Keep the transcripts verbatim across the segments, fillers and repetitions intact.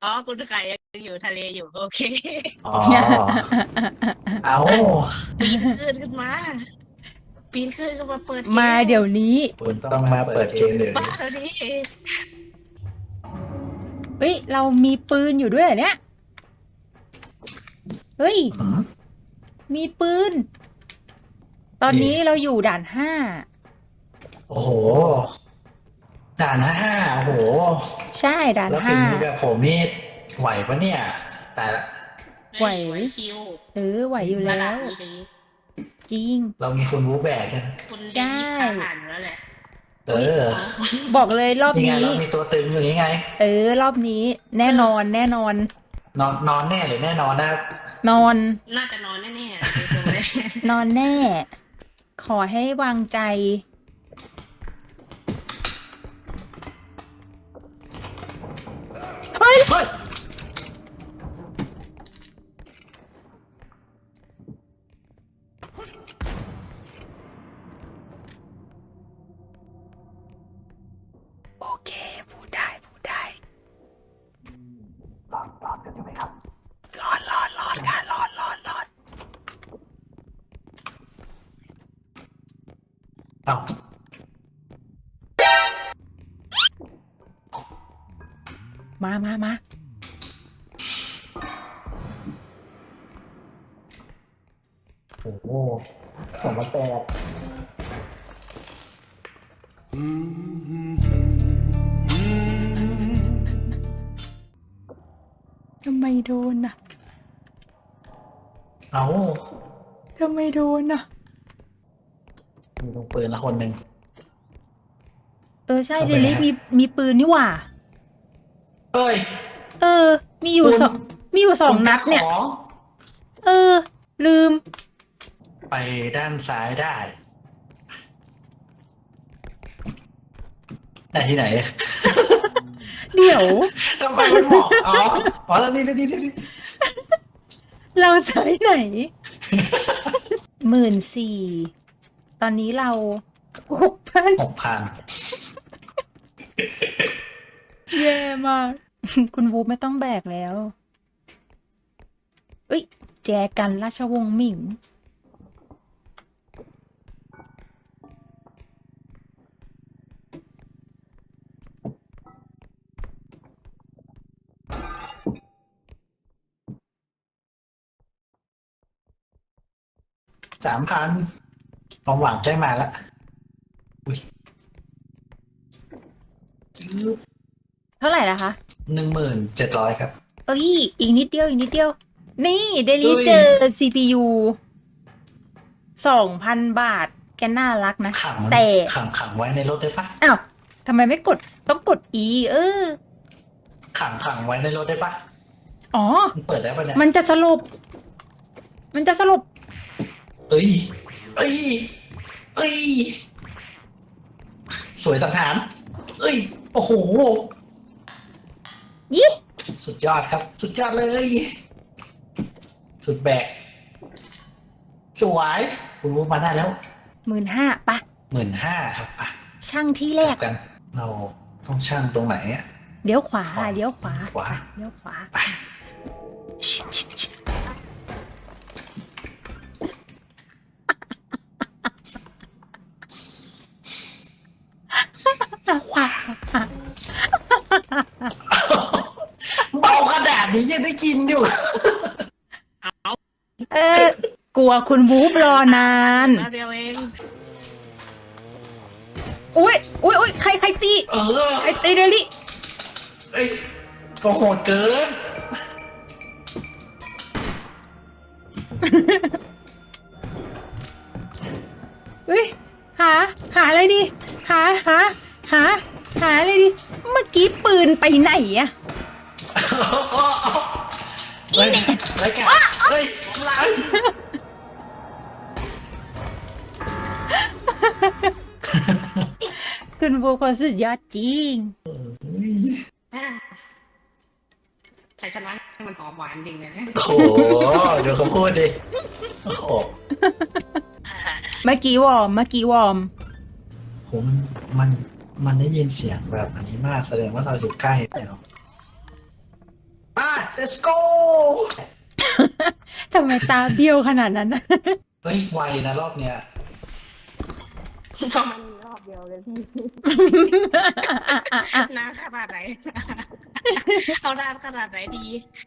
อ๋อคุณไก่ยังอยู่ทะเลอยู่โอเคอ๋อเอาปีนขึ้นขึ้นมาปีนขึ้นขึ้นมาเปิดเกมามเดี๋ยวนี้คุณต้องมาเปิดเกมเดี๋ยวบ้านี้แล้วนี่เฮ้ย เรามีปืนอยู่ด้วยเหรอเนี่ย เฮ้ยอืมมีปืน ตอนนี้เราอยู่ด่านห้าโอ้โหด่านห้าโอ้โหใช่ด่านแล้วฝีห้ามือแบบผมนี่ไหวปะเนี่ย แต่ละไหวไหวชิวเออไหวอยู่ระแล้ดับวนี้ดีจริงเรามีคุณวูแบกใช่ไหมคุณใช่ได้ผ่าผ่านแล้วแหละเออบอกเลยรอบนี่ไงนี้เรามีตัวตึงอยู่นี่ไงเออ รอบนี้ แน่นอนแน่นอนนอนนอนแน่หรือแน่นอนนะครับนอนน่าจะนอนแน่ๆดูตรงเลยนอนแน่ ขอให้วางใจ เฮ้ยเฮ้ยโอเค พูดได้พูดได้รอดรอดกันอยู่ไหมครับรอดรอดรอดค่ะรอดรอดรอดเอ้ามามามาโอ้โหสองมาแปดทำไมโดนน่ะเอ้าทำไมโดนน่ะมีลงปืนละคนหนึ่งเออใช่เข้าเดไปลิแล้วมีมีปืนนี่หว่าเฮ้ยเออ มีอยู่คุณสองมีอยู่สองคุณนัดเนี่ยของเออ ลืมไปด้านซ้ายได้ ได้ที่ไหนเดี๋ยวทำไมมันบอกอ๋ออ๋อแล้วนี่นี่นี่นี่เราสายไหน หมื่นสี่ ตอนนี้เราหกพันหกพันแย่มาก คุณวูไม่ต้องแบกแล้ว เอ้ย แจกันราชวงศ์หมิงสามพันความหวังใกล้มาแล้วอุ้ยเท่าไหร่ละคะหนึ่งหมื่นเจ็ดร้อยครับเอ้ย อีกนิดเดียว อีกนิดเดียว นี่เดลิเอ้ยเจอ ซี พี ยู สองพันบาท แกน่ารักนะขังแต่ขังขังไว้ในรถได้ปะอ้าวทำไมไม่กด ต้องกด E เออขังขังไว้ในรถได้ปะอ๋อมันเปิดได้ปะเนี่ยมันจะสลบ มันจะสลบเอ้ยเอ้ยเอ้ยสวยสังหารเอ้ยโอ้โหยี่สุดยอดครับ สุดยอดเลย สุดแบก สวยคุณวูมาได้แล้วหมื่นห้าปะหมื่นห้าครับอ่ะช่างที่แรจักบกัน เราต้องช่างตรงไหนอ่ะเดี๋ยวขวาเดี๋ยวขวาขวาเดี๋ยวขวาไปชิดชิดชิดขวาเบาขนาดนี้ยังได้กินอยู่เออ กลัวคุณวูฟรอนานมาเดียวเองอุ้ยอุ้ยอุ้ยใครใครตีเออใครตีเดลี่เอ้ยก็โหดเกินเฮ้ย หา หาอะไรดี หา หา หา หาอะไรดี เมื่อกี้ปืนไปไหนอะเฮ้ยรายการเฮ้ยเฮ้ยคุณวูฟคนสุดยอดจริงใช้ชนะมันหอมหวานจริงเลยนะโอ้โหเดี๋ยวเขาพูดดิ โอ้โหเมื่อกี้วอร์ม เมื่อกี้วอร์มโหมันมันมันได้ยินเสียงแบบอันนี้มากแสดงว่าเราอยู่ใกล้ไปเนาะ let's go ทำไมตาเบี้ยวขนาดนั้นนะเฮ้ยไวนะรอบเนี้ยเพราะมันมีรอบเดียวเลยพี่ นานขนาดไหน เอานานขนาดไหนดี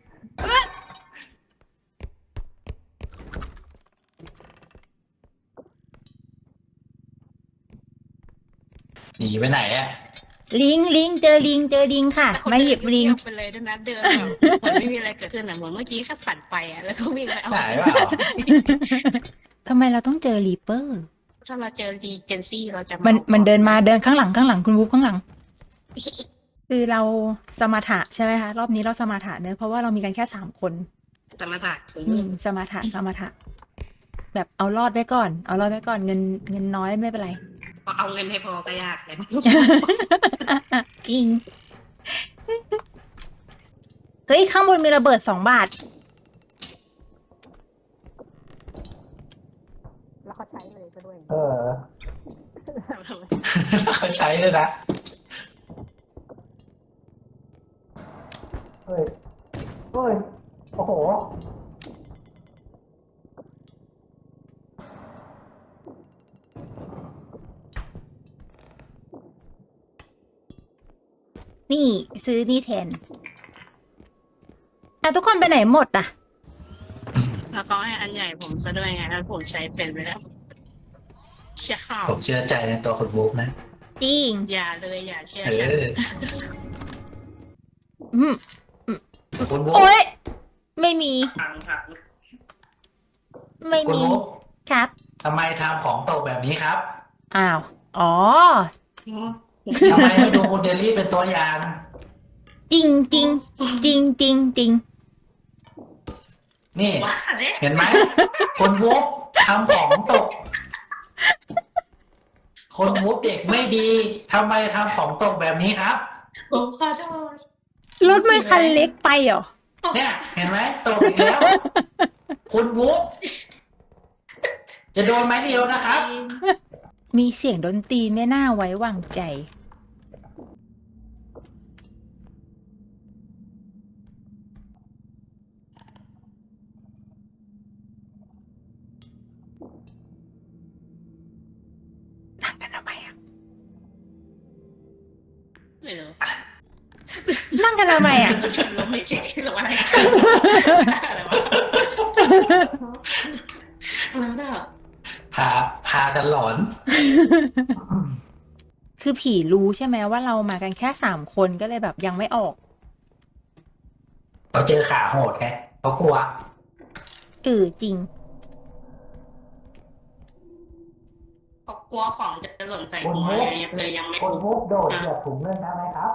หนีไปไหนอ่ะลิงลิงเจอลิงเจอลิงค่ะแต่คนมาหยิบลิงเดินไปเลยด้วยนะเดินแบบเหมือนไม่มีอะไรเกิดขึ้นอ่ะเหมือนเมื่อกี้แค่ฝันไปอ่ะแล้วก็วิ่งไปเอาไหนเปล่าทำไมเราต้องเจอรีเปอร์ถ้าเราเจอรีเจนซี่เราจะมันมันเดินมาเดินข้างหลังข้างหลังคุณวูฟข้างหลัง คือเราสมถะใช่ไหมคะรอบนี้เราสมถะเนอะเพราะว่าเรามีกันแค่สามคนจะมาถ่ายอืมสมถะสมถะแบบเอารอดไว้ก่อน เอารอดไว้ก่อนเงินเงินน้อยไม่เป็นไรพอเอาเงินให้พอก็ยากเลยจริงเฮ้ยข้างบนมีระเบิดสองบาทแล้วเขาใช้เลยก็ด้วยเออ เขาใช้เลยนะ เฮ้ย เฮ้ย โอ้โหนี่ซื้อนี่แทนแต่ทุกคนไปไหนหมดอ่ะแล้วเขาให้อันใหญ่ผมซะด้วยไงแล้วผมใช้เป็นไปแล้วเชื่อข้าวผมเชื่อใจในตัวคุณวูฟนะจริงอย่าเลยอย่าเชื่อเอฉันออืมคุณวูฟโอ๊ยไม่มีพังพังไม่คุณมีวูฟครับทำไมทำของตกแบบนี้ครับอ้าว อ๋อทำไมไม่ดูคุณเดลี่เป็นตัวอย่างจริงจริงจริงจริงจริงนี่ว่าเลยเห็นไหม คนวูฟทำของตก คนวูฟเด็กไม่ดีทำไมทำของตกแบบนี้ครับผมขอโทษรถไม่คันเล็กไปเหรอเนี่ย เห็นไหมตกอีกแล้ว คุณวูฟจะโดนไม้เดียวนะครับมีเสียงดนตรีไม่น่าไว้วางใจ นั่งกันทำไมอ่ะไม่รู้นั่งกันทำไมอ่ะลมไม่เฉยหรือว่าอะไรอะไรวะอะไรวะพา พากันหลอนคือผีรู้ใช่ไหมว่าเรามากันแค่สามคนก็เลยแบบยังไม่ออกเขาเจอขาโหดไงเขากลัวเออจริงเขากลัวของจะหล่นใส่หัวเลยยังไม่คุณวูฟโดดเหยียบถุงเงินได้ไหมครับ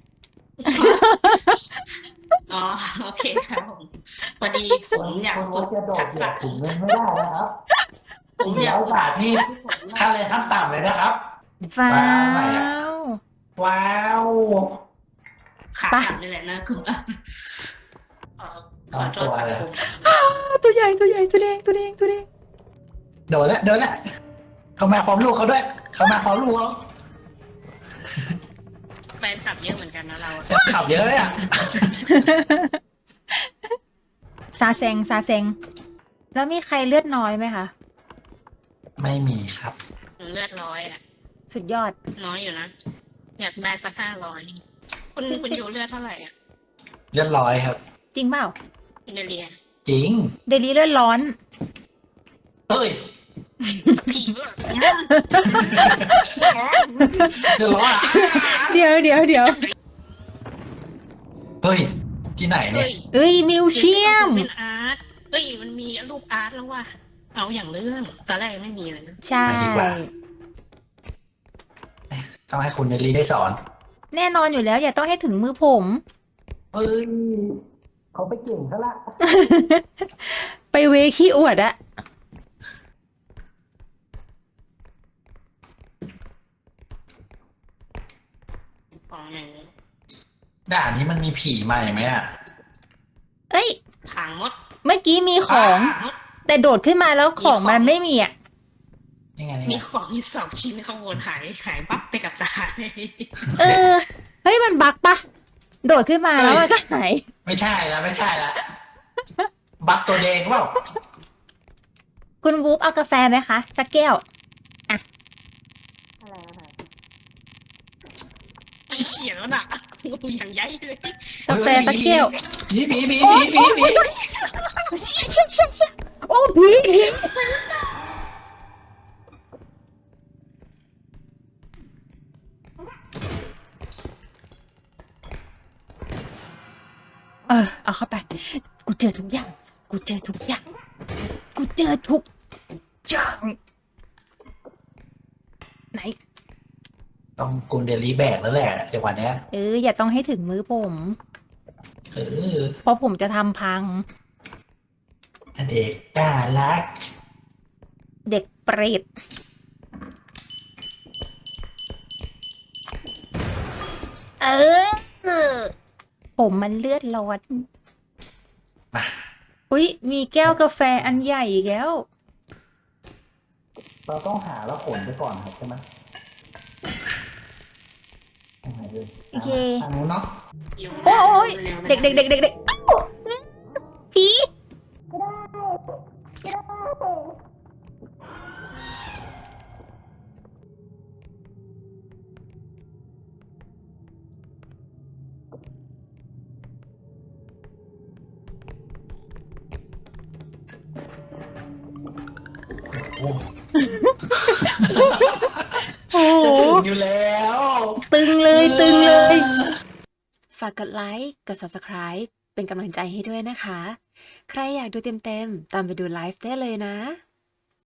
อ๋อโอเคครับผมพอดีผมอยากคุณฝึวูกฟจะโดดทักเหยีษะยบถุงเงินไม่ได้นะครับผมอยากร้อยฝึกบาทนี่ค่าแรงขั้นต่ำเลยนะครับว้าว้าวอะไรอะวว้าวขาหักนี่แหละนะคือเอ่อขอโทษสังคมตัวใหญ่ตัวใหญ่ตัวแดงตัวแดงตัวแดงโดนแล้วโดนแล้วเขามาพร้อมลูกเขาด้วย เขามาพร้อมลูกเขาแฟนคลับเยอะเหมือนกันนะเราขับเยอะเลยอ่ะซาแซงซาแซง แล้วมีใครเลือดน้อยไหมคะไม่มีครับเลือดร้อยอ่ะสุดยอดน้อยอยู่นะ อยากได้สักห้าร้อยคุณคุณอยู่เลือดเท่าไหร่อ่ะเรียบร้อยครับจริงเปล่าอินเดียจริงเดลี่เลือดร้อนเฮ้ยจีบอ่ะจะร้อนอ่ะเดี๋ยวเดี๋ยวเดี๋ยวเฮ้ย ที่ไหนเนี่เฮ้ยยเอ้ยมิวเชียมเป็นอาร์ตเฮ้ยมันมีรูปอาร์ตแล้วว่ะเอาอย่างเรื่องตอนแรกไม่มีเลยนะใช่ต้องให้คุณเนลลี่ได้สอนแน่นอนอยู่แล้ว อย่าต้องให้ถึงมือผมเฮ้ย เขาไปเก่งซะละไปเวขี้อวดอะของหนึ่งด่านนี้มันมีผีใหม่ไหมอ่ะเอ้ยผางมดเมื่อกี้มีของผางมดแต่โดดขึ้นมาแล้วของมันไม่มีอะยังไงมีเนี่ยของมีสองชิ้นข้างบนหายหายปั๊บไปกับตาเลยเออ เฮ้ยมันบักปะโดดขึ้นมาแล้วมันก็หายไม่ใช่ละไม่ใช่ละบักตัวแดงเปล่าคุณวูฟเอากาแฟไหมคะ สักแก้วอะไรนะคะเฉียแล้วน่ะงูอย่างใหญ่เลยกาแฟสักแก้วหมีหมีหมีหมีหมีหมีโอ้ผีผีเออ เอาเข้าไป กูเจอทุกอย่าง กูเจอทุกอย่าง กูเจอทุกอย่าง ไหนต้องกุนเดลีแบกแล้วแหละจังหวะเนี้ยเออ อย่าต้องให้ถึงมือผมเออเพราะผมจะทำพังเด็กน่ารักเด็กเปรต เออ ผมมันเลือดร้อนมาอุ้ยมีแก้วกาแฟอันใหญ่อีกแล้วเราต้องหาแล้วขนไปก่อนครับใช่ไหมทางไหนเลยโอเคทางนู้นเนาะโอ้ยเด็กเด็กเด็กเด็กเด็กอ้าวผีโอ้โอ้จะโหถึงอยู่แล้วตึงเลยตึงเลยฝากกดไลค์ กด Subscribe เป็นกำลังใจให้ด้วยนะคะ ใครอยากดูเต็มๆ ตามไปดูไลฟ์ได้เลยนะ